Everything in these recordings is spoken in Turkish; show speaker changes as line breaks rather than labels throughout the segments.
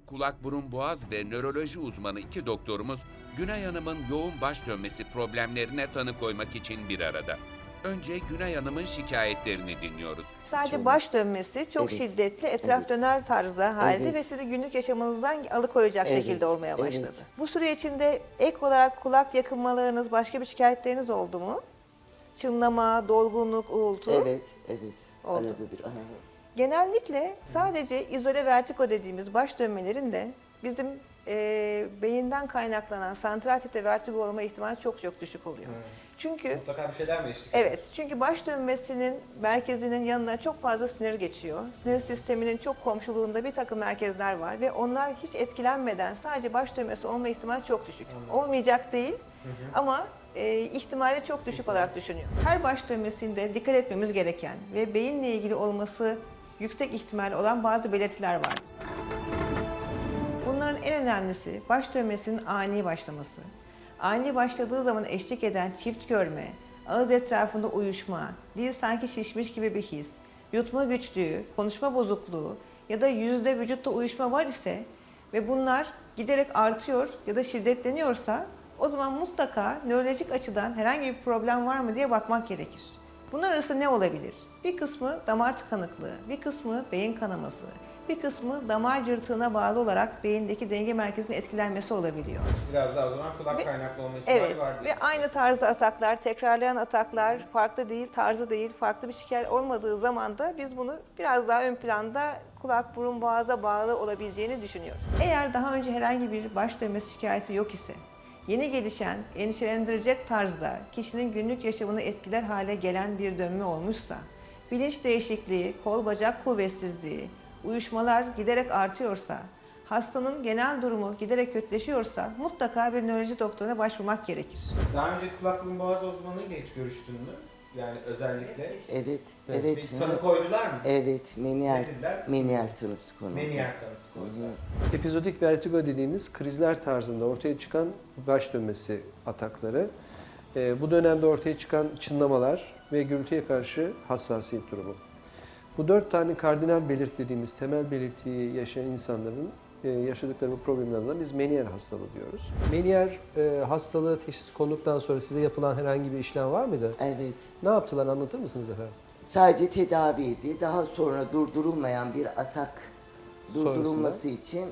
kulak burun boğaz ve nöroloji uzmanı iki doktorumuz Günay Hanım'ın yoğun baş dönmesi problemlerine tanı koymak için bir arada. Önce Günay Hanım'ın şikayetlerini dinliyoruz.
Sadece baş dönmesi çok
Evet.
şiddetli, etraf döner tarzda halde
Evet.
ve sizi günlük yaşamınızdan alıkoyacak
Evet,
şekilde olmaya başladı.
evet.
Bu süre içinde ek olarak kulak yakınmalarınız, başka bir şikayetleriniz oldu mu? Çınlama, dolgunluk, uğultu.
Evet, evet.
Oldu.
Arada bir. Aha.
Genellikle sadece izole vertigo dediğimiz baş dönmelerin de bizim beyinden kaynaklanan santral tipte vertigo olma ihtimali çok çok düşük oluyor. Çünkü
Mutlaka bir şeyler mi eşlik
evet, çünkü baş dönmesinin merkezinin yanına çok fazla sinir geçiyor. Sinir sisteminin çok komşuluğunda bir takım merkezler var ve onlar hiç etkilenmeden sadece baş dönmesi olma ihtimali çok düşük. Olmayacak değil ama ihtimali çok düşük olarak düşünüyor. Her baş dönmesinde dikkat etmemiz gereken ve beyinle ilgili olması yüksek ihtimal olan bazı belirtiler vardır. Bunların en önemlisi baş dönmesinin ani başlaması. Ani başladığı zaman eşlik eden çift görme, ağız etrafında uyuşma, dil sanki şişmiş gibi bir his, yutma güçlüğü, konuşma bozukluğu ya da yüzde vücutta uyuşma var ise ve bunlar giderek artıyor ya da şiddetleniyorsa o zaman mutlaka nörolojik açıdan herhangi bir problem var mı diye bakmak gerekir. Bunlar arasında ne olabilir? Bir kısmı damar tıkanıklığı, bir kısmı beyin kanaması, bir kısmı damar cırtığına bağlı olarak beyindeki denge merkezinin etkilenmesi olabiliyor.
Biraz daha o zaman kulak kaynaklı olma ihtimali
Evet
var.
ve aynı tarzda ataklar, tekrarlayan ataklar, farklı değil, tarzı değil, farklı bir şikayet olmadığı zaman da biz bunu biraz daha ön planda kulak, burun, boğaza bağlı olabileceğini düşünüyoruz. Eğer daha önce herhangi bir baş dönmesi şikayeti yok ise, yeni gelişen, endişelendirecek tarzda kişinin günlük yaşamını etkiler hale gelen bir dönme olmuşsa, bilinç değişikliği, kol bacak kuvvetsizliği, uyuşmalar giderek artıyorsa, hastanın genel durumu giderek kötüleşiyorsa mutlaka bir nöroloji doktoruna başvurmak gerekir.
Daha önce kulak burun boğaz uzmanıyla hiç görüştün mü? Yani özellikle.
Evet, evet.
Bir tanı koydular mı?
Evet,
Ne dediler?
meniyer tanısı konuldu.
Meniyer tanısı koydular.
Epizodik vertigo dediğimiz krizler tarzında ortaya çıkan baş dönmesi atakları, bu dönemde ortaya çıkan çınlamalar ve gürültüye karşı hassasiyet durumu. Bu 4 tane kardinal belirt dediğimiz temel belirtiyi yaşayan insanların yaşadıkları bu problemlerden biz meniyer hastalığı diyoruz.
Meniyer hastalığı teşhis konuluktan sonra size yapılan herhangi bir işlem var mıydı?
Evet.
Ne yaptılar anlatır mısınız efendim?
Sadece tedaviydi. Daha sonra durdurulmayan bir atak durdurulması için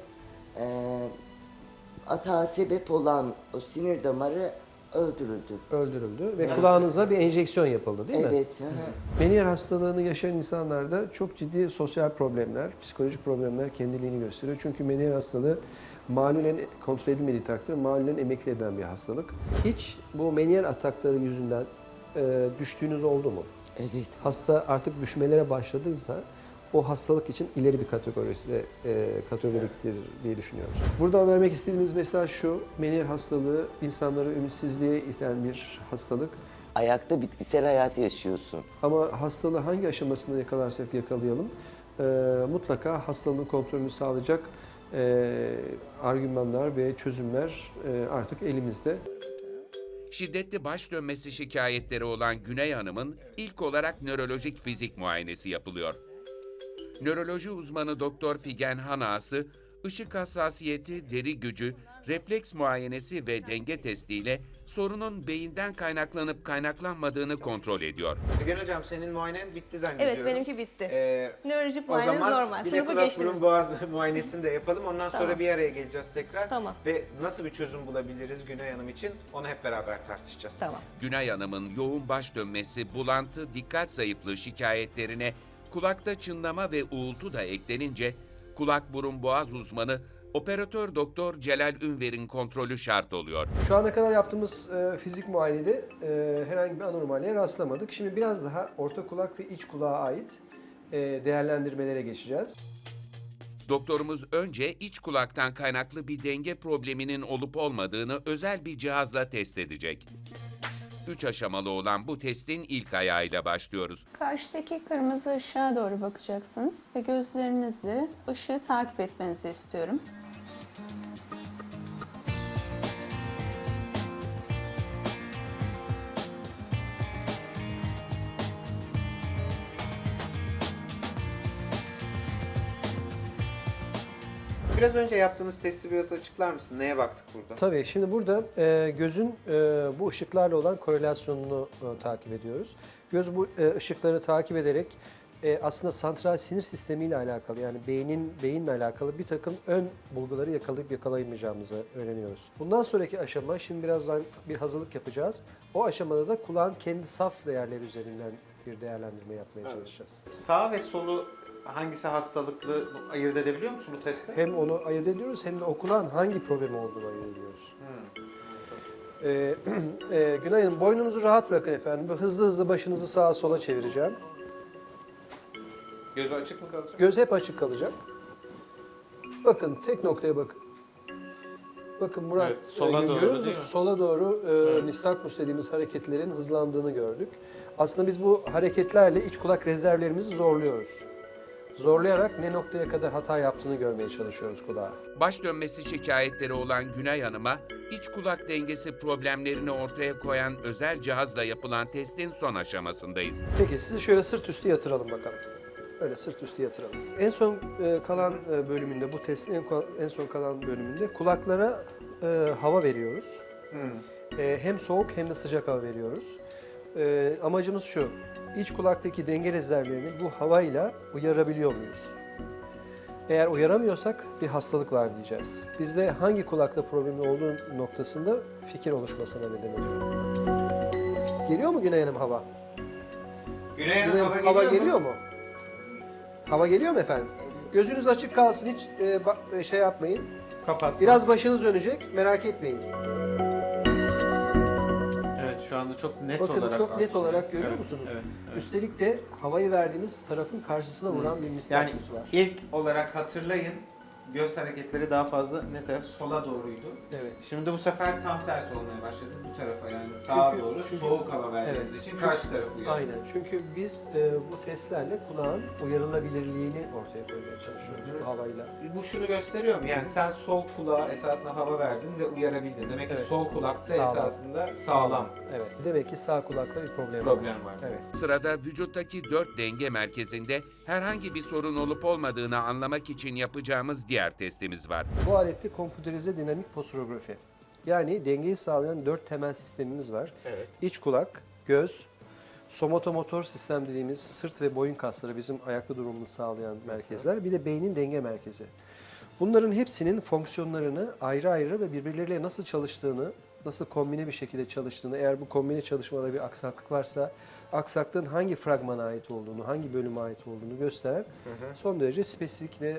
atağa sebep olan o sinir damarı öldürüldü.
Öldürüldü ve kulağınıza bir enjeksiyon yapıldı değil mi?
Evet. Hı hı.
Meniyer hastalığını yaşayan insanlarda çok ciddi sosyal problemler, psikolojik problemler kendiliğini gösteriyor. Çünkü meniyer hastalığı malulen kontrol edilmediği takdirde malulen emekli eden bir hastalık.
Hiç bu meniyer atakları yüzünden düştüğünüz oldu mu?
Evet.
Hasta artık düşmelere başladıysa o hastalık için ileri bir kategoriktir diye düşünüyoruz.
Buradan vermek istediğimiz mesaj şu: meniyer hastalığı insanları ümitsizliğe iten bir hastalık.
Ayakta bitkisel hayat yaşıyorsun.
Ama hastalığı hangi aşamasında yakalarsak yakalayalım, mutlaka hastalığın kontrolünü sağlayacak argümanlar ve çözümler artık elimizde.
Şiddetli baş dönmesi şikayetleri olan Güney Hanım'ın ilk olarak nörolojik fizik muayenesi yapılıyor. Nöroloji uzmanı Doktor Figen Hanası, ışık hassasiyeti, deri gücü, refleks muayenesi ve denge testiyle sorunun beyinden kaynaklanıp kaynaklanmadığını kontrol ediyor.
Figen Hocam senin muayenen bitti zannediyorum.
Evet, benimki bitti. Nörolojik
O
muayeneniz
zaman
normal.
bir de
Sınıfı
kulak
geçtiniz.
burun boğaz muayenesini de yapalım. Ondan sonra
Tamam.
bir araya geleceğiz tekrar.
Tamam.
Ve nasıl bir çözüm bulabiliriz Güney Hanım için onu hep beraber tartışacağız.
Tamam.
Günay Hanım'ın yoğun baş dönmesi, bulantı, dikkat zayıflığı şikayetlerine kulakta çınlama ve uğultu da eklenince kulak burun boğaz uzmanı operatör doktor Celal Ünver'in kontrolü şart oluyor.
Şu ana kadar yaptığımız fizik muayenede herhangi bir anormalliğe rastlamadık. Şimdi biraz daha orta kulak ve iç kulağa ait değerlendirmelere geçeceğiz.
Doktorumuz önce iç kulaktan kaynaklı bir denge probleminin olup olmadığını özel bir cihazla test edecek. 3 aşamalı olan bu testin ilk ayağıyla başlıyoruz.
Karşıdaki kırmızı ışığa doğru bakacaksınız ve gözlerinizle ışığı takip etmenizi istiyorum.
Biraz önce yaptığınız testi biraz açıklar mısın? Neye baktık burada?
Tabii şimdi burada gözün bu ışıklarla olan korelasyonunu takip ediyoruz. Göz bu ışıkları takip ederek aslında santral sinir sistemiyle alakalı, yani beyinle alakalı bir takım ön bulguları yakalayıp yakalayamayacağımızı öğreniyoruz. Bundan sonraki aşama, şimdi birazdan bir hazırlık yapacağız. O aşamada da kulağın kendi saf değerleri üzerinden bir değerlendirme yapmaya çalışacağız.
Sağ ve solu hangisi hastalıklı ayırt edebiliyor musun bu testte?
Hem onu ayırt ediyoruz hem de o kulağın hangi problemi olduğunu ayırt ediyoruz. Günay Hanım, boynunuzu rahat bırakın efendim. Hızlı hızlı başınızı sağa sola çevireceğim.
Gözü açık mı kalacak?
Göz hep açık kalacak. Bakın tek noktaya bakın. Bakın Murat,
Evet, sola doğru
görüyor
değil mi?
musunuz? Sola doğru nistagmus dediğimiz hareketlerin hızlandığını gördük. Aslında biz bu hareketlerle iç kulak rezervlerimizi zorluyoruz. Zorlayarak ne noktaya kadar hata yaptığını görmeye çalışıyoruz kulağa.
Baş dönmesi şikayetleri olan Güney Hanım'a iç kulak dengesi problemlerini ortaya koyan özel cihazla yapılan testin son aşamasındayız.
Peki sizi şöyle sırt üstü yatıralım bakalım. Öyle sırt üstü yatıralım. En son kalan bölümünde, bu testin en son kalan bölümünde kulaklara hava veriyoruz. Hem soğuk hem de sıcak hava veriyoruz. Amacımız şu, iç kulaktaki denge rezervlerini bu havayla uyarabiliyor muyuz? Eğer uyaramıyorsak bir hastalık var diyeceğiz. Bizde hangi kulakta problemi olduğu noktasında fikir oluşmasına neden oluyor. Geliyor mu Güney Hanım hava?
Güney
Güney
Hanım
Hanım, hava geliyor mu? Hava geliyor mu efendim? Gözünüz açık kalsın, hiç şey yapmayın.
Kapat.
Biraz başınız dönecek, merak etmeyin.
Evet, şu anda çok net
Bakın
olarak.
çok net olarak görüyor
Evet,
musunuz?
evet, evet.
Üstelik de havayı verdiğimiz tarafın karşısına vuran bir
Yani
nistagmus var.
ilk olarak hatırlayın, göz hareketleri daha fazla ne taraf? Sola doğruydu.
Evet.
Şimdi bu sefer tam tersi olmaya başladı bu tarafa, yani sağa
Çünkü-
doğru
çünkü-
soğuk hava verdiğimiz
Evet.
için
Çünkü-
karşı tarafı uyarıyor.
Aynen. Çünkü biz bu testlerle kulağın uyarılabilirliğini ortaya koymaya çalışıyoruz bu havayla.
Bu şunu gösteriyor mu? Yani sen sol kulağa esasında hava verdin ve uyarabildin. Demek ki
Evet.
sol kulakta
Sağlam.
esasında sağlam
Evet. Demek ki sağ kulakta bir problem var.
problem var.
Evet.
Sırada vücuttaki 4 denge merkezinde herhangi bir sorun olup olmadığını anlamak için yapacağımız diğer testimiz var.
Bu alette kompüterize dinamik posturografi. Yani dengeyi sağlayan 4 temel sistemimiz var.
Evet.
İç kulak, göz, somatomotor sistem dediğimiz sırt ve boyun kasları, bizim ayakta durumumuzu sağlayan merkezler. Bir de beynin denge merkezi. Bunların hepsinin fonksiyonlarını ayrı ayrı ve birbirleriyle nasıl çalıştığını, nasıl kombine bir şekilde çalıştığını, eğer bu kombine çalışmada bir aksaklık varsa aksaklığın hangi fragmana ait olduğunu, hangi bölüme ait olduğunu gösteren son derece spesifik ve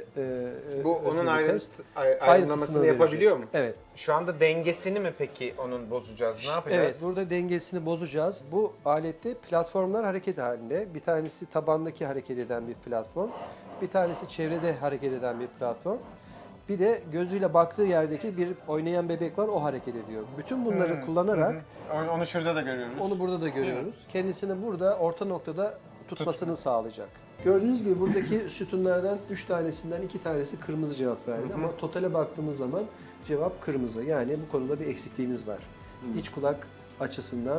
Bu
özgür
onun
bir test.
ayrınlamasını
Ayrıntısını
yapabiliyor mu?
verecek. Evet.
Şu anda dengesini mi peki onun bozacağız? Ne yapacağız?
Evet, burada dengesini bozacağız. Bu alette platformlar hareket halinde. Bir tanesi tabandaki hareket eden bir platform, bir tanesi çevrede hareket eden bir platform. Bir de gözüyle baktığı yerdeki bir oynayan bebek var, o hareket ediyor. Bütün bunları kullanarak
Onu şurada da görüyoruz.
onu burada da görüyoruz. Kendisini burada orta noktada tutmasını sağlayacak. Gördüğünüz gibi buradaki sütunlardan 3 tanesinden 2 tanesi kırmızı cevap verdi ama totale baktığımız zaman cevap kırmızı. Yani bu konuda bir eksikliğimiz var. İç kulak açısından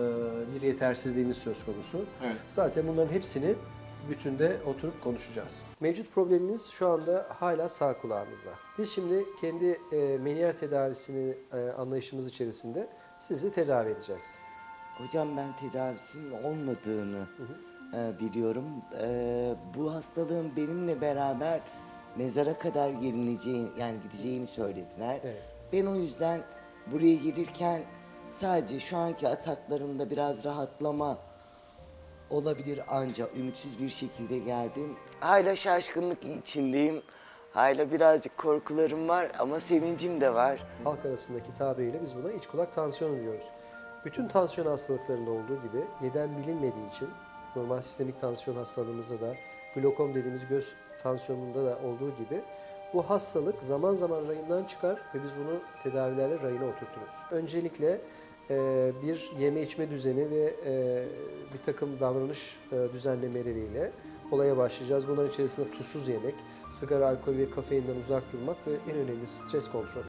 bir yetersizliğimiz söz konusu.
Evet.
Zaten bunların hepsini bütünde oturup konuşacağız. Mevcut problemimiz şu anda hala sağ kulağımızda. Biz şimdi kendi meniyer tedavisini anlayışımız içerisinde sizi tedavi edeceğiz.
Hocam ben tedavisinin olmadığını biliyorum. Bu hastalığın benimle beraber mezara kadar gelineceğini, yani gideceğini söylediler.
Evet.
Ben o yüzden buraya gelirken sadece şu anki ataklarımda biraz rahatlama olabilir, ancak ümitsiz bir şekilde geldim. Hala şaşkınlık içindeyim. Hala birazcık korkularım var ama sevincim de var.
Halk arasındaki tabiriyle biz buna iç kulak tansiyonu diyoruz. Bütün tansiyon hastalıklarında olduğu gibi neden bilinmediği için normal sistemik tansiyon hastalığımızda da glokom dediğimiz göz tansiyonunda da olduğu gibi bu hastalık zaman zaman rayından çıkar ve biz bunu tedavilerle rayına oturturuz. Öncelikle bir yeme içme düzeni ve bir takım davranış düzenlemeleriyle olaya başlayacağız. Bunların içerisinde tuzsuz yemek, sigara, alkol ve kafeinden uzak durmak ve en önemli stres kontrol.